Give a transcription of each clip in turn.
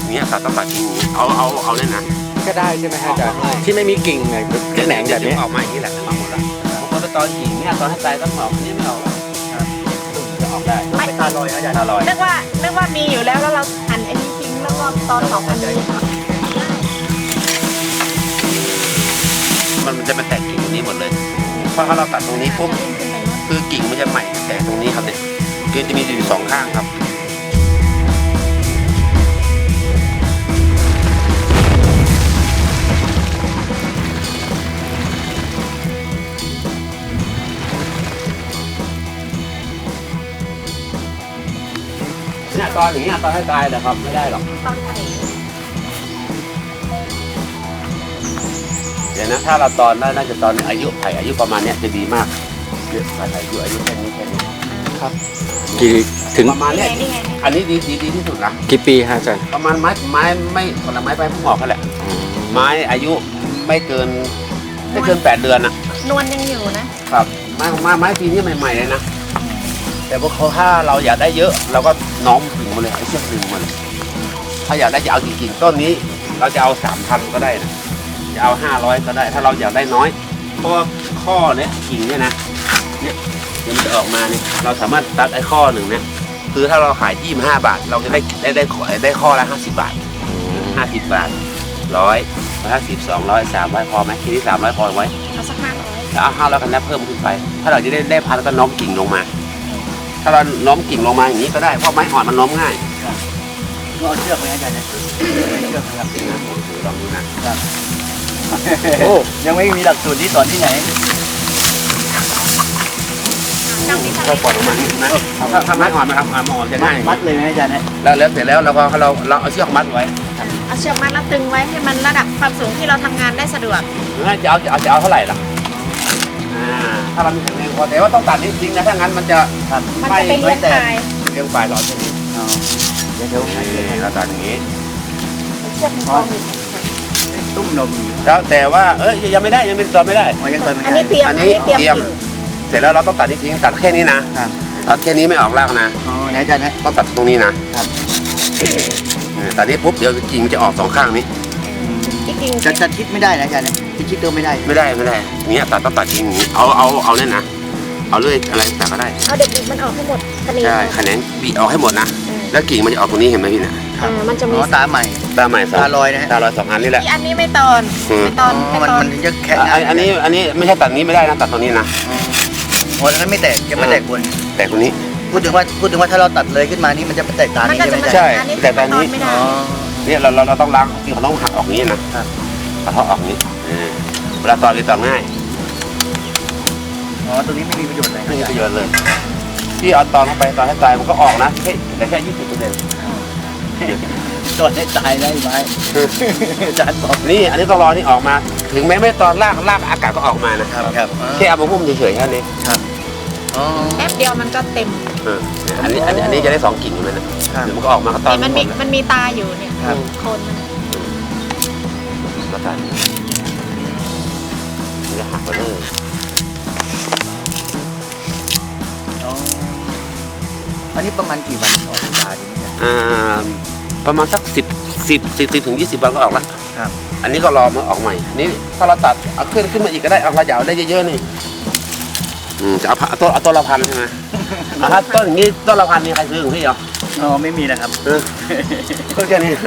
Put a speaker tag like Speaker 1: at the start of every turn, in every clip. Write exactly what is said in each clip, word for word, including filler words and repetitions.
Speaker 1: เนี้ยตัดต้องตัดทิ้งเอาเอาเอาเลยนะ
Speaker 2: ก็ได้ใช่ไหมฮะอาจารย์ที่ไม่มีกิ่งเนี่ยแหนงแบบนี้
Speaker 1: ออกมาอย่างนี้แหละมาหมดละบางคนตอนกิ่งเนี่ยตอนให้ตายต้องออกนี่ไม่ออกจะออกได้ไม่ตาลอยอาจารย์ตาลอย
Speaker 3: นึกว่านึกว่ามีอยู่แล้วแล้วเราหั่นไอ้นี้ทิ้งแล้วก็ตอนออกอันนี้
Speaker 1: มันมันจะมาแตกกิ่งตรงนี้หมดเลยเพราะถ้าเราตัดตรงนี้ปุ๊บคือกิ่งมันจะใหม่แตกตรงนี้ครับเนี่ยคือจะมีอยู่สองข้างครับเนี่ยตอนอย่างเงี้ยตอนให้ตายนะครับไม่ได้หรอก
Speaker 3: ตอนไหน
Speaker 1: เดี๋ยวนะถ้าเราตอนได้น่าจะตอนอายุไผ่อายุประมาณเนี้ยจะดีมากเยอะไผ่อายุอายุแค่นี้แค่นี้
Speaker 2: ครับกี่ถึง
Speaker 1: ประมาณเนี้ยอันนี้ดีดีดีที่สุดนะ
Speaker 2: กี่ปีฮะอาจารย์
Speaker 1: ประมาณไม้ไม้ไม่ผลไม้ใบพุ่งออกกันแหละไม้อายุไม่เกินไม่เกินแปดเดือนอ่ะ
Speaker 3: นวลยังอยู่นะครับ
Speaker 1: ไม้ไม้ไม้ปีนี้ใหม่ๆเลยนะแต่พวกเขาถ้าเราอยากได้เยอะเราก็น้อมถึงมาเลยไอ้เชือกดึงมันถ้าอยากได้จะเอาจริงๆต้นนี้เราจะเอาสามพันก็ได้นะจะเอาห้าร้อยก็ได้ถ้าเราอยากได้น้อยเพราะข้อเนี้ยกิ่งเนี่ยนะเนี่ยมันจะออกมาเนี่ยเราสามารถตัดไอ้ข้อหนึ่งเนี่ยคือถ้าเราขายยี่สิบห้าบาทเราจะได้ได้ได้ได้ข้อละห้าสิบบาทห้าสิบบาทร้อยร้อยห้าสิบสองร้อยสามร้อยพอไหมทีนี้สามร้อยพอไว้
Speaker 3: เอาสักห้าร้อย
Speaker 1: แล้วเอาห้าร้อยกันแล้วเพิ่มขึ้นไปถ้าเราจะได้ได้พันก็น้อมกิ่งลงมาถ้าเราน้อมกิ่งลงมาอย่างนี้ก็ได้เพราะไม้อ่อนมันน้อมง่าย
Speaker 4: ก็เอาเชือกไปให้อาจารย์นะเชือกครับ
Speaker 1: ลองดูนะครับ
Speaker 4: โอ้ยังไม่มีหลักสูตรที่สอนที่ไหน
Speaker 1: ก็ปล่อยลงมานะถ้าถ้าไม้อ่อนนะครับไม้อ่อนจะง่าย
Speaker 4: มัดเลยไหมอาจารย์
Speaker 1: แล้วแล้วเสร็จแล้วเราก็เราเราเอาเชือกมัดไว้
Speaker 3: เอาเชือกมัดแล้วตึงไว้ให้มันระดับความสูงที่เราทำงานได้สะดวก
Speaker 1: จะเอาจะเอาจะเอาเท่าไหร่ล่ะถ้าเรามีแข็งแรงพอแต่ว่าต้องตัดนิดจริงนะถ้างั้นมันจะ
Speaker 3: มันจะเป็นเลี้ยงปลาย
Speaker 1: เลี้ยงปลายหลอดตรงนี้
Speaker 4: เดี๋ยวเดี๋ยว
Speaker 1: เราตัดอย่างนี้
Speaker 3: เชือกมันก็มี
Speaker 4: ตุ้มนม
Speaker 1: แล้วแต่ว่าเอ้ยยังไม่ได้ยังไม่ตอนไม่ได้
Speaker 3: อันนี้เตรียม
Speaker 1: อันนี้เตรียมเสร็จแล้วเราต้องตัดนิดจริงตัดแค่นี้นะตัดแค่นี้ไม่ออกรากนะ
Speaker 4: อ๋อไหนอาจารย์นะ
Speaker 1: ต้องตัดตรงนี้นะตัดนี้ปุ๊บเดี๋ยวกิ่งจะออกสองข้างนี้
Speaker 4: จะจะชิดไม่ได้นะอาจารย์นะชิดตัวไม่ได้
Speaker 1: ไม่ได้ไม่ได้เนี้ยตัดต้องตัดจริงเอาเอาเอาเล่นนะเอาเลื่อยอะไรแต่ก็ได้
Speaker 3: เอาเด็กๆมันออกให้หมด
Speaker 1: ใช่แขนงบีออกให้หมดนะแล้วกิ่งมันจะออกตรงนี้เห็นไหมพี่เนี่ย
Speaker 3: มันจะมี
Speaker 4: ตาใหม่
Speaker 1: ตาใหม่
Speaker 4: ตาลอยนะ
Speaker 1: ตาลอยสองอันนี่แหละ
Speaker 3: อันนี้ไม่ตอนไม่ตอน
Speaker 4: มันมันจะแข็ง
Speaker 1: อันนี้อันนี้ไม่ใช่ตัดนี้ไม่ได้นะตัดตรงนี้นะ
Speaker 4: โอ้ยงั้นไม่แตกจะไม่แตกบน
Speaker 1: แตกตรงนี้
Speaker 4: พูดถึงว่าพูดถึงว่าถ้าเราตัดเลยขึ้นมานี่มันจะแตกตานี้
Speaker 1: ใช่แต่ตอนนี้เนี่ยเราเราต้องล้างที่เขาต้องหักออกนี้นะตัดเขาออกนี้เวลาตอนนี้ตอนง่าย
Speaker 4: อ๋อตรงนี้ไม่มีประโยชน์เลย
Speaker 1: ไม่มีประโยชน์เลยที่เอาตอนเข้าไปตอนให้ตายมันก็ออกนะแค่แต่แค่ยี่สิบเปอร์เซ็นต์
Speaker 4: ตอนให้ตายได้ไหมอาจารย์บอก
Speaker 1: นี่อันนี้ต้องรอนี่ออกมาถึงแม้ไม่ตอนลากลากอากาศก็ออกมานะครับ
Speaker 4: ครับ
Speaker 1: แค่เอามาหุ้มเฉยๆแค่นี้
Speaker 4: ครับ
Speaker 3: แป๊บเดียวมันก็เต็ม
Speaker 1: อันนี้อันนี้อันนี้จะได้สองกิ่งอยู่เลยนะเดี๋ยวมันก็ออกมาก็ตอน
Speaker 3: มันมีมันมีตาอยู่เนี่ยโคนมัน
Speaker 1: ก็ตัดนี่ก็หักไปเลย
Speaker 4: อันนี้ประมาณกี่วันออกตาดีเนี่ย
Speaker 1: อ่าประมาณสักสิบสิบสิบถึงยี่สิบวันก็ออกแล้ว
Speaker 4: ครับ
Speaker 1: อันนี้ก็รอมาออกใหม่นี่ถ้าเราตัดเอาขึ้นขึ้นมาอีกก็ได้เอาขยาวได้เยอะๆนี่อืมจะเอาต้นเอาต้นละพันใช่ไหมถ้าต้นอย่างนี้ต้นละพันมีใครซื้อของพี่เหรอ
Speaker 4: อ๋อไม่มีนะครับ
Speaker 1: เออต้นแค่นี้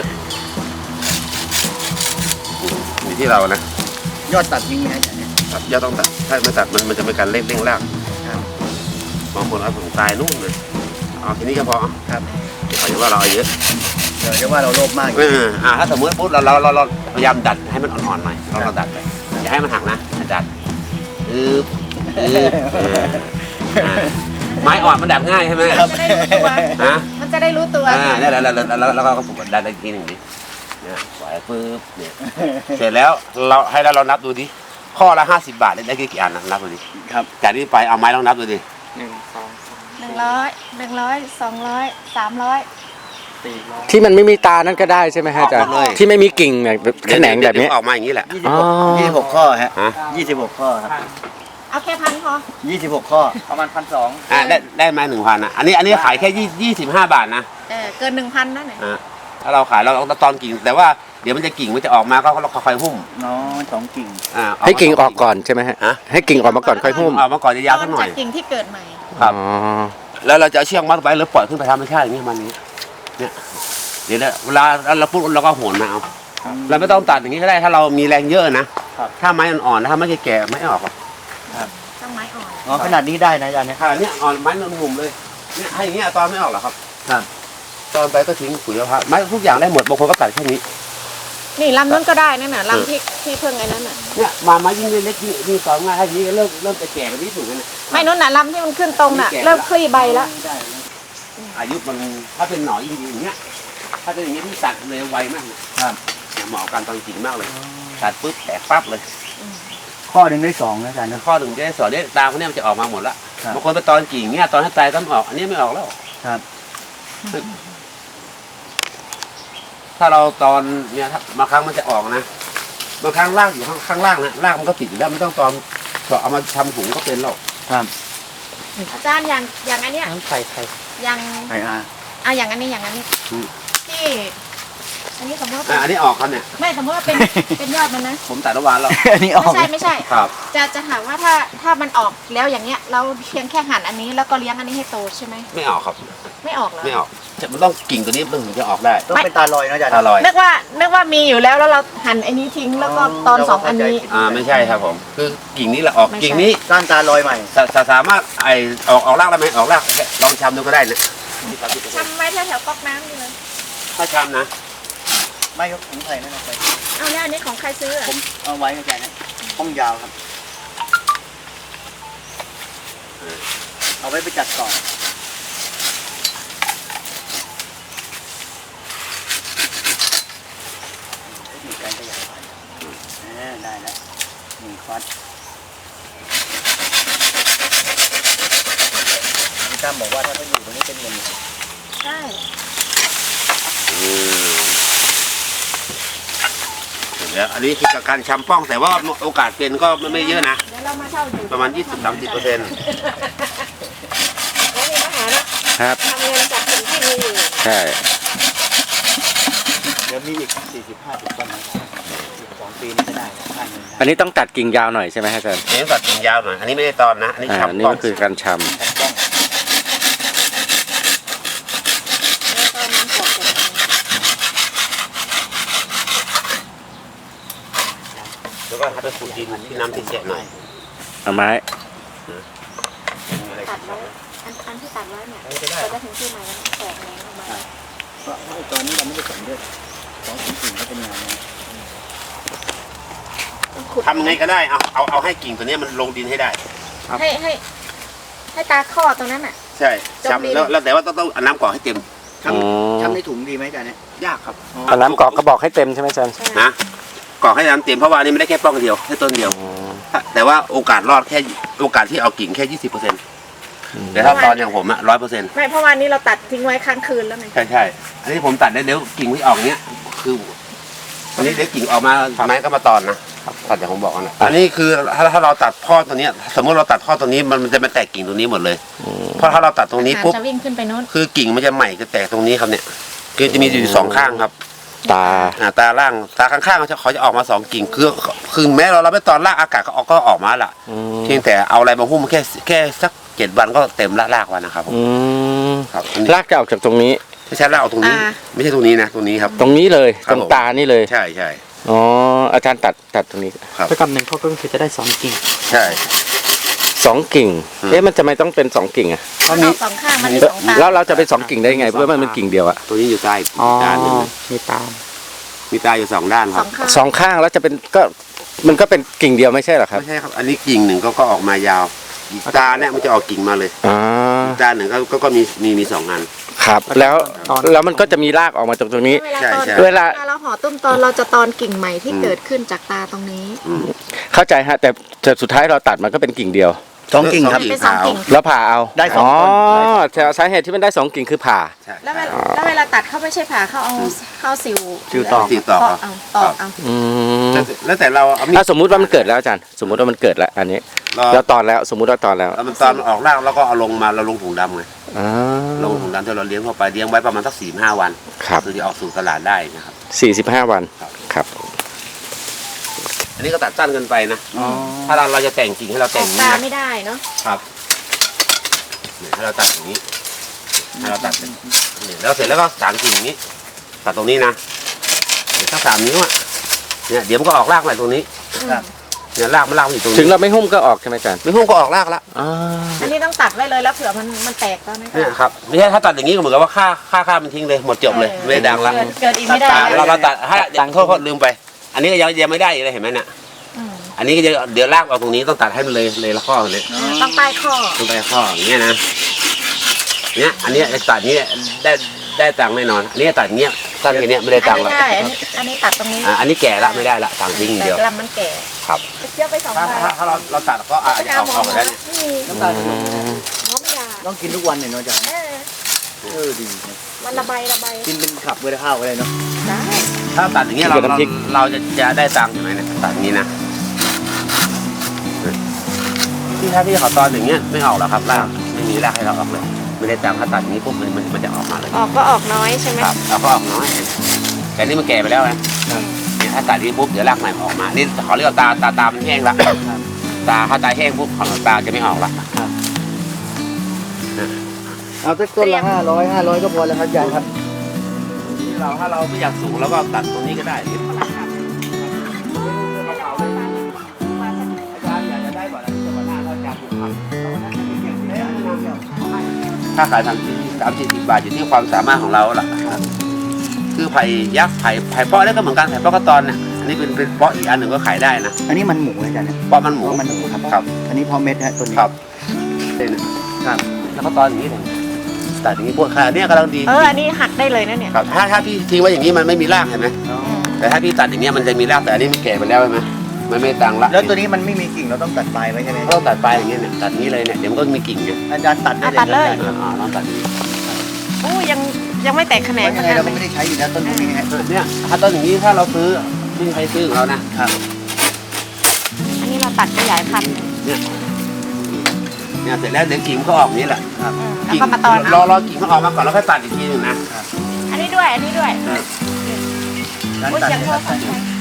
Speaker 1: มีที่เรานะ
Speaker 4: ยอดตัดยิงไหมอาจารย์เนี่ย
Speaker 1: ตัดยอดต้องตัดถ้าไม่ตัดมันมันจะเป็นการเล่งเร่งรากบางคนเอาถึงตายนู่นเลยเอาทีนี้ก็พอ
Speaker 4: ครับ
Speaker 1: เขาจะว่าเราเอาเยอะ
Speaker 4: เดี๋ยวจะว่าเราโลภมาก
Speaker 1: เอออ่าถ้าสมมติปุ๊บเราเราเราพยายามดัดให้มันอ่อนๆหน่อยเราเราดัดไปอย่าให้มันหักนะดัดอือไม้อ่อนมันดัดง่ายใช่ไหม
Speaker 3: มันจะได้รู้ตัวฮะมันจะได้รู้ตัว
Speaker 1: อ่าเนี่ยแล้วแล้วแล้วแล้วก็ฝึกดัดอีกทีหนึ่งดิเนี่ยปล่อยปึ๊บเนี่ยเสร็จแล้วเราให้เราเรานับดูดิข้อละห้าสิบบาทได้กี่อันนะนับดูดิ
Speaker 4: ครับ
Speaker 1: จากนี้ไปเอาไม้ลองนับดูดิ
Speaker 3: หนึ่งสองหนึ่งร้อยหนึ่งร้อยสองร้อยสามร้อย
Speaker 2: ที่มันไม่มีตานั่นก็ได้ใช่ไหมฮะอาจารย์ที่ไม่มีกิ่งเนี่ยแขนงแบบนี้
Speaker 1: ออกมาอย่างนี้แหละ
Speaker 4: ยี่สิบหกข้อฮะยี่สิบหกข้อครับ
Speaker 3: เอาแค่พันพอ
Speaker 4: ยี่สิบหกข้อประมาณพันสอง
Speaker 1: อ่าได้ได้มาหนึ่งพันอ่ะอันนี้อันนี้ขายแค่ยี่ยี่สิบห้าบาทนะ
Speaker 3: เออเกินหนึ่งพันนั่นแหละ
Speaker 1: อ่าถ้าเราขายเราเอาตอนกิ่งแต่ว่าเดี๋ยวมันจะกิ่งมันจะออกมาก็เราค่อยๆหุ้ม
Speaker 4: น้องสองกิ่ง
Speaker 1: อ่า
Speaker 2: ให้กิ่งออกก่อนใช่ไหมฮะ
Speaker 1: ฮะ
Speaker 2: ให้กิ่งออกมาก่อนค่อยหุ้ม
Speaker 1: ออกมาก่อนจะยาว
Speaker 3: ต
Speaker 1: สั
Speaker 3: อก น
Speaker 1: หน่อ
Speaker 3: จาย กกิ่งที่เกิดใหม่
Speaker 1: ครับ
Speaker 2: อ๋อ
Speaker 1: แล้วเราจะเอาเชือกมัดไว้หรือปล่อยขึ้นไปธรรมชาติอย่างนี้มันนี้เนี่ยเดี๋ยวเวลาเราปุ๊บเราก็โหนมาเอาเราไม่ต้องตัดอย่างนี้ก็ได้ถ้าเรามีแรงเยอะนะถ้าไม้อ่อนๆถ้าไม่แก่ๆไม่ออกหรอก
Speaker 3: ต้องไม้อ่อน
Speaker 4: อ๋อขนาดนี้ได้นะอาจารย์เนี่ย
Speaker 1: ค่ะเนี่ยอ่อนไม้นุ่มๆเลยเนี่ยให้อย่างเงี้ยตอนไม่ออกหรอครับ
Speaker 4: ครับ
Speaker 1: ตอนไปก็ทิ้งปุ๋ยมะพร้าวไม้ทุกอย่างได้หมดบางคนก็ตัดแค่นี้
Speaker 3: นี่ลำนู้นก็ได้นั่นน่ะลำที่ที่เพิ่งไอ้นั่นน่ะ
Speaker 1: เนี่ยมาไม้ยิ่งเล็กยิ่งยิ่งตอนง่ายถ้าอย่างนี้ก็เริ่มเริ่มจะแก่ไปนิดหนึ่งแล้วนะ
Speaker 3: ไม่นู้นน่ะลำที่มันขึ้นตรงน่ะเริ่มคลี่ใบแล้ว
Speaker 1: อายุมันถ้าเป็นหน่อยิ่งดีอย่างเงี้ยถ้าเป็นอย่างเงี้ยที่ตัดเร็วไวมากเลย
Speaker 4: ครับ
Speaker 1: เนี่ยเหมาะกับการตอนกิ่งมากเลยตัดปุ๊บแตกปั๊บเลย
Speaker 4: ข้อหนึ่งได้สองนะอาจารย์นะ
Speaker 1: ข้อหนึ่งจะได้สอนเนี่ยตาเขาเนี่ยมันจะออกมาหมดละ
Speaker 4: ครับ
Speaker 1: บางคนไปตอนกิ่งเงี้ยตอนให้ตายต้นออก อันนี้ไม่ออกแล้ว
Speaker 4: ครับ
Speaker 1: ถ้าเราตอนเนี่ยถ้าบางครั้งมันจะออกนะบางครั้งรากอยู่ข้างข้างล่างนะรากมันก็ติดอยู่แล้วไม่ต้องตอนเอามาทำถุงก็เป็นหรอก
Speaker 4: ครับ
Speaker 3: อาจารย์อย่างอย่างอันเนี้ย
Speaker 4: น้ำไข่ไข่
Speaker 3: อย่าง
Speaker 4: ไข่อา
Speaker 3: อ่ะอย่างอันนี้อย่างอันนี้ที่อันนี้สมมติว่าเป็
Speaker 1: อ่ะ
Speaker 3: น
Speaker 1: อันนี้ออกครับเนี่ย
Speaker 3: ไม่สมมติว่าเป็นเป็นยอดมันนะ
Speaker 1: ผมตัดระหว่างแล้ว
Speaker 4: อันนี้ออก
Speaker 3: ไม่ใช่ไม่ใช่
Speaker 1: ครับ
Speaker 3: จะจะถามว่าถ้าถ้ามันออกแล้วอย่างเงี้ยเราเพียงแค่หั่นอันนี้แล้วก็เลี้ยงอันนี้ให้โตใช่ไหม
Speaker 1: ไม่ออกครับ
Speaker 3: ไม่ออกเหรอ
Speaker 1: ไม่ออกจะมันต้องกิ่งตัวนี้มันถึงจะออกได้
Speaker 4: ต้องเป็นตาลอยนะอาจารย์
Speaker 1: อร่อย
Speaker 3: นึกว่านึกว่ามีอยู่แล้วแล้วเราหั่นไอ้นี้ทิ้งแล้วก็ตอนสองอันนี้
Speaker 1: อ่าไม่ใช่ครับผม คือกิ่งนี้แหละออก
Speaker 3: ไม่ใช่
Speaker 1: กิ่งนี้
Speaker 4: ก้านตาลอยใหม่
Speaker 1: สาสามารถไอออกออกรากได้ไหมออกรากลองชำดูก็ได้นะ
Speaker 3: ทำไว้แถวๆก๊อกน้ำนี่เลย
Speaker 1: ถ้าชำนะ
Speaker 4: ไม่ครับผมใส่นั่นนะไป
Speaker 3: เอาเนี่ยอันนี้ของใครซื้ออะ
Speaker 4: ผมเอาไว้อาจารย์นะห้องยาวครับ เอาไว้ไปจัดก่อนมีการขยายพันธุ์เออได้แล้วหนึ่งควัดพี่ตั้มบอกว่าถ้าเขาอยู่ตรงนี้เป็นเงิน
Speaker 3: ใช่
Speaker 1: เดี๋ยวอันนี้คือการชำป้องแต่ว่าโอกาสเป็นก็ไม่เยอะนะ
Speaker 3: เดี๋ยวเรามาเช่าอยู่
Speaker 1: ประมาณ ยี่สิบถึงสามสิบเปอร์เซ็นต์
Speaker 3: แล้วมีปัญหานะครับ ทำเงินจากสิ่งที่มีอยู่
Speaker 2: ใช่
Speaker 4: เดี๋ยวมีอีกสี่สิบห้าสิบต้นนะครับอีกสองปีนี้จะได้ค่าเงิน
Speaker 2: อันนี้ต้องตัดกิ่งยาวหน่อยใช่ไหมฮะอาจารย์
Speaker 1: เลี้ยงตัดกิ่งยาวหน่อย อันนี้ไม่ได้ตอนนะ อันนี้
Speaker 2: อ่า
Speaker 1: ชำ
Speaker 2: อันนี้
Speaker 1: ป้อง
Speaker 2: ก็คือการช
Speaker 4: ถูกต้อง
Speaker 3: แล้วก็น้ำสดเสร็จ
Speaker 1: แล้วก็ให้ไปขุดดินที่น้ำที่แฉะหน่อย
Speaker 2: ำเอาไม้
Speaker 3: ตัดไว้อันอันที่ตัดไว้เนี่ยเราจะถึงที่ใหม่แล้วแตกแหนงออกมา
Speaker 4: เพราะว่าตอนนี้เราไม่ได้สนด้วยสองสิ่งสิ่งก็เป็นงานนะ
Speaker 3: ต้องขุด
Speaker 1: ทำยังไงก็ได้ เอาเอาเอาให้กิ่งตัวนี้มันลงดินให้ได้
Speaker 3: ให้ให้ให้ตาข้อตรงนั้นอ่ะ
Speaker 1: ใช่ชำแล้วแล้วแต่ว่าต้องต้องเอาน้ำกรอกให้เต็ม
Speaker 4: ทำทำในถุงดีไหมอาจารย์เนี่ย
Speaker 1: ยากครับ
Speaker 2: เอาน้ำกรอกก็บอกให้เต็มใช่ไหมอาจารย์
Speaker 3: ใช่
Speaker 1: นะกรอกให้น้ำเต็มเพราะว่าอันนี้ไม่ได้แค่ป้องเดียวแค่ต้นเดียว แต่ว่าโอกาสรอดแค่โอกาสที่เอากิ่งแค่ยี่สิบเปอร์เซ็นต์แต่ถ้าตอนอย่างผมอะร้อยเปอร์เซ็นต์
Speaker 3: ไม่เพราะวันนี้เราตัดทิ้งไว้ค้างคืนแล้วไง
Speaker 1: ใช่ใช่อันนี้ผมตัดได้เดี๋ยวกิ่งไม่ออกเนี้ยคืออันนี้เดี๋ยวกิ่งออกมาไม้ก็มาตอนนะตัดอย่างผมบอกนะอันนี้คือถ้าถ้าเราตัดข้อตัวเนี้ยสมมติเราตัดข้อตัวนี้มันมันจะมาแตกกิ่งตัวนี้หมดเลย เพราะถ้าเราตัดตรงนี้ปุ๊บ
Speaker 3: จะวิ่งขึ้นไปโน้น
Speaker 1: คือกิ่งมันจะใหม่จะแตกตรงนี้ครับเนี่ยคือจะมีอยู่สองข้างครับ
Speaker 2: ตา
Speaker 1: อ่าตาล่างตาข้างๆเขาจะเขาจะออกมาสองกิ่งคือคือแม้เราเราไม่ตอนรากอากาศก็ออกก็ออกมาละ
Speaker 2: อืม
Speaker 1: เพียงแต่เอาอะไรมาหุ้มแค่แค่สักเจ็ดวันก็เต็มละรากวันนะครับผม
Speaker 2: อืม
Speaker 1: ครับอันนี้
Speaker 2: รากจะออกจากตรงนี้
Speaker 1: ไม่ใช่รากเอาตรงนี้ ไม่ใช่ตรงนี้นะตรงนี้ครับ
Speaker 2: ตรงนี้เลย
Speaker 1: ครั
Speaker 2: ต
Speaker 1: บ
Speaker 2: รง
Speaker 1: ผม
Speaker 2: ตานี่เลย
Speaker 1: ใช่ใช่
Speaker 2: อ๋ออาจารย์ตัดตัดตรงนี้
Speaker 1: ครับ
Speaker 4: ถ้ากำหนึ่งเขาก็คือจะได้สองกิ่ง
Speaker 1: ใช่
Speaker 2: สองกิ่ง
Speaker 1: อืม
Speaker 2: เอ๊ะมันจะไม่ต้องเป็นสองกิ่งอะ
Speaker 3: มันออกสองข้างมันมีสองตา
Speaker 2: แล้วเราจะเป็นสองกิ่งได้ไงเพราะว่ามันเป็นกิ่งเดียวอะ
Speaker 1: ตัวนี้อยู่ใต้ด้านหนึง
Speaker 4: มีตาม
Speaker 1: มีตาอยู่สองด้านค
Speaker 3: ส
Speaker 1: รั
Speaker 3: อบ งข้าง
Speaker 2: สองข้างแล้วจะเป็นก็มันก็เป็นกิ่งเดียวไม่ใช่เหรอครับ
Speaker 1: ไม่ใช่ครับ อันนี้กิ่งหนึ่งก็ก็ออกมายาวอีกตาเนี่ยมันจะออกกิ่งมาเลย
Speaker 2: อ่า
Speaker 1: อีกตาหนึ่งก็ก็ก็มีมีมีสองอัน
Speaker 2: ครับ แล้วแล้วมันก็จะมีรากออกมาจากตรงนี้
Speaker 3: เวลา
Speaker 1: ใช่
Speaker 3: ตอน
Speaker 1: ใช่
Speaker 2: เวลา
Speaker 3: เวลาเราห่อต้นตอนเราจะตอนกิ่งใหม่ที่เกิดขึ้นจากตาตรงนี้
Speaker 1: อืม
Speaker 2: เข้าใจฮะแต่แต่สุดท้ายเราตัดมันก็เป็นกิ่งเดียว
Speaker 4: สองกิ่งครับ
Speaker 3: เป็นสองกิ่ง
Speaker 2: แล้วผ่าเอา
Speaker 4: ได้สองต้น
Speaker 2: อ๋อแต่สาเหตุที่มันได้สองกิ่งคือผ่า
Speaker 1: ใช่
Speaker 3: แล้วเวลาแล้วเวลาตัดเขาไม่ใช่ผ่าเขาเอาเขาเอาสิว
Speaker 4: สิวตอก
Speaker 1: สิวตอก
Speaker 3: เอาตอกเอา
Speaker 2: อืม
Speaker 1: แล้วแล้วแต่เราเอามีด
Speaker 2: ถ้าสมมุติว่ามันเกิดแล้วอาจารย์สมมุติว่ามันเกิดแล้วอันนี้
Speaker 1: เรา
Speaker 2: แล้วตอนแล้วสมมุติว่าตอนแล้ว
Speaker 1: แล้วมันตอนออกรากแล้วก็เอาลงมาเราลงถุงดำไง
Speaker 2: อ่า
Speaker 1: ลงถุงดำที่เราเลี้ยงเข้าไปเลี้ยงไว้ประมาณสักสี่ห้าวัน
Speaker 2: ครับ
Speaker 1: คือจะออกสู่ตลาดได้นะครับ
Speaker 2: สี่สิบห้าวัน
Speaker 1: ครับ
Speaker 2: ครับ
Speaker 1: อันนี้ก็ตัดสั้นเกินไปนะ
Speaker 4: อ๋อ
Speaker 1: ถ้าเราเราจะแต่งกิ่งให้เรา
Speaker 3: อ
Speaker 1: แต่
Speaker 3: อง ก
Speaker 1: อย่าง
Speaker 3: ตา
Speaker 1: นี้
Speaker 3: ไม่
Speaker 1: นะ
Speaker 3: ได้เนาะ
Speaker 1: ครับเนี่ยให้เราตัดอย่างนี้ให้เราตัดเป็นเนี่ยแล้วเสร็จแล้วก็สางกิ่งอย่างนี้ ตัดตรงนี้นะเดี๋ยวสักสามนิ้วอ่ะเนี่ยเดี๋ยวมันก็ออกรากใหม่ตรงนี้
Speaker 4: ครับ
Speaker 1: เนี่ยรากมันรากมันอยู่ตรง
Speaker 2: ถึง
Speaker 1: นี้
Speaker 2: เราไม่หุ้มก็ออกใช่ไหมอาจารย์
Speaker 1: ไม่หุ้มก็ออกรากละ
Speaker 2: อ่า
Speaker 3: อันนี้ต้องตัดไว้เลยแล้วเผื่อมันมันแตกก็ไม่
Speaker 1: เนี่ย
Speaker 3: ได้
Speaker 1: ครับไม่ใช่ถ้าตัดอย่างนี้ก็เหมือนกับว่าค่าค่าค่ามันทิ้งเลยหมดจบเลยไม่ได้ดังละ
Speaker 3: เกิดเกิดอีกไม่ได้
Speaker 1: อ่า
Speaker 3: นะ
Speaker 1: เราเราตัดถ้าตังโทษโทษลืมไป อันนี้ก็ยังยังไม่ได้อีกเลยเห็นไหมเนี่ย
Speaker 3: อืม
Speaker 1: อันนี้ก็จะเดี๋ยวลากเอาตรงนี้ต้องตัดให้มันเลยเลยละข้อเลย
Speaker 3: ต้องใต้ข้อ
Speaker 1: ต้องไปข้ออย่างเงี้ยนะเนี่ยอันนี้ไอ้ตัดนี้ได้ได้ตังค์แน่นอน อันนี้ตัดอย่างเงี้ยตัดอย่างเงี้ยไม่ได้ตังค์
Speaker 3: อัน
Speaker 1: ละ
Speaker 3: นี้ได้อันนี้อันนี้ตัดตรงนี้
Speaker 1: อ่าอันนี้แก่ละไม่ได้ละตังค์ทิ้งอย่าง
Speaker 3: แต่
Speaker 1: เดียว
Speaker 3: ลำมันแก่
Speaker 1: ครับ
Speaker 3: เทียบไปสอง
Speaker 1: ถ้า
Speaker 3: ใบ
Speaker 1: ถ้าถ้าเราเราตัดก็อาจจะเอาออกมาได้เนี่ย
Speaker 3: ไม่มี
Speaker 4: น้ำตาล
Speaker 2: อืม
Speaker 3: หมอไม่ได้
Speaker 4: ต้องกินทุกวันเนี่ยเนาะอาจารย์
Speaker 3: เออ
Speaker 4: เออดีนะ
Speaker 3: มันระบายระบาย
Speaker 4: กินเป็นขับเวลาข้าวอะไรเนาะ
Speaker 3: ได้
Speaker 1: ถ้าตัดอย่างเงี้ยเราเราเราจะจะได้ตังค์ใช่ไหมเนี่ยตัดอย่างนี้นะที่ถ้าที่เขาตอนอย่างเงี้ยไม่ออกหรอกครับรากไม่มีรากให้เราออกเลยไม่ได้ตังค์ถ้าตัดอย่างนี้ปุ๊บมันมันมันจะออกมาเลย
Speaker 3: ออกก็ออกน้อยใช่ไหม
Speaker 1: ครับเราก็ออกน้อยแต่นี่มันแก่ไปแล้วนะเนี่ยถ้าตัดนี้ปุ๊บเดี๋ยวรากใหม่มันออกมา นี่เขาเรียกว่าตาตาตามันแห้งละตาถ้าตาแห้งปุ๊บของตาจะไม่ออกละ
Speaker 4: เอาสักต้นละห้าร้อยห้าร้อยก็พอแล้วครับอาจารย์ครับ
Speaker 1: นี่เราถ้าเราไม่อยากสูงเราก็ตัดตรงนี้ก็ได้อาจารย์อยากจะได้ก่อนนะจะมาหน้าเราจะผูกพันถ้าขายทางที่สามสิบบาทอยู่ที่ความสามารถของเราล่ะคือไผ่ยักษ์ไผ่ไผ่เปาะนี่ก็เหมือนกันไผ่เปาะกระตอนเนี่ยอันนี้เป็นเป็นเปาะอีกอันหนึ่งก็ขายได้นะ
Speaker 4: อันนี้มันหมูอาจารย์เนี่ย
Speaker 1: เปาะมันหมู
Speaker 4: มันหมูครับ
Speaker 1: ครับ
Speaker 4: อันนี้พอเม็ดฮะตัวนี้
Speaker 1: ครับเนี่ยนะครับ แล้วก็ตอนอย่างนี้เลยตัดอย่างนี้พวกขาเนี่ยกำลังดี
Speaker 3: เอออันนี้หักได้เลยนะเนี่ย
Speaker 1: ครับถ้าถ้าพี่ทิ้งไว้อย่างนี้มันไม่มีรากเห็นไหม
Speaker 4: อ๋อ
Speaker 1: แต่ถ้าพี่ตัดอย่างเงี้ยมันจะมีรากแต่อันนี้มันแก่ไปแล้วใช่ไหมมันไม่ตังละ
Speaker 4: แล้วตัวนี้มันไม่มีกิ่งเราต้องตัดปลายไว้ใช่ไหม
Speaker 1: เราต้องตัดปลายอย่างเงี้ยเนี่ยตัดนี้เลยเนี่ยเดี๋ยวมันก็มีกิ่งไง
Speaker 4: อาจารย์ตัดได้
Speaker 3: อ่ะตัดเลย
Speaker 1: อ่าอ่าลองตัดนี้
Speaker 3: โอ้ยังยังไม่แตกแขน
Speaker 4: เพ
Speaker 3: ง
Speaker 4: ราะ
Speaker 3: ข
Speaker 4: ยังไง
Speaker 3: นาด
Speaker 4: เราก็
Speaker 3: นี้
Speaker 4: ไม่ได้ใช้อยู่แล้วต้นพวกนี้ฮะ
Speaker 1: เนี่ยถ้าต้นอย่างนี้ถ้าเราซื้อไม่มีใครซื้อของเรานะครับ
Speaker 3: อันนี้เราตัดขยายพันธุ์
Speaker 1: เนี่ยเนี่ยเสร็จแล้วเดี๋ยวกิ่งก็ออกนี้แหละ
Speaker 4: ครับ
Speaker 3: อืมแล้ว
Speaker 1: กิ่ง
Speaker 3: ก็มาตอน
Speaker 1: รอ
Speaker 3: เอา
Speaker 1: รอกิ่งมันออกมาก่อนแล้วค่อยตัดอีกทีหนึงนะ
Speaker 3: อันนี้ด้วยอันนี้ด้วย
Speaker 4: ร้าน
Speaker 3: โอ้ย
Speaker 4: ตัด
Speaker 3: เสียง
Speaker 4: เนี่ย
Speaker 3: โทร
Speaker 4: ตัด
Speaker 3: ศัพท์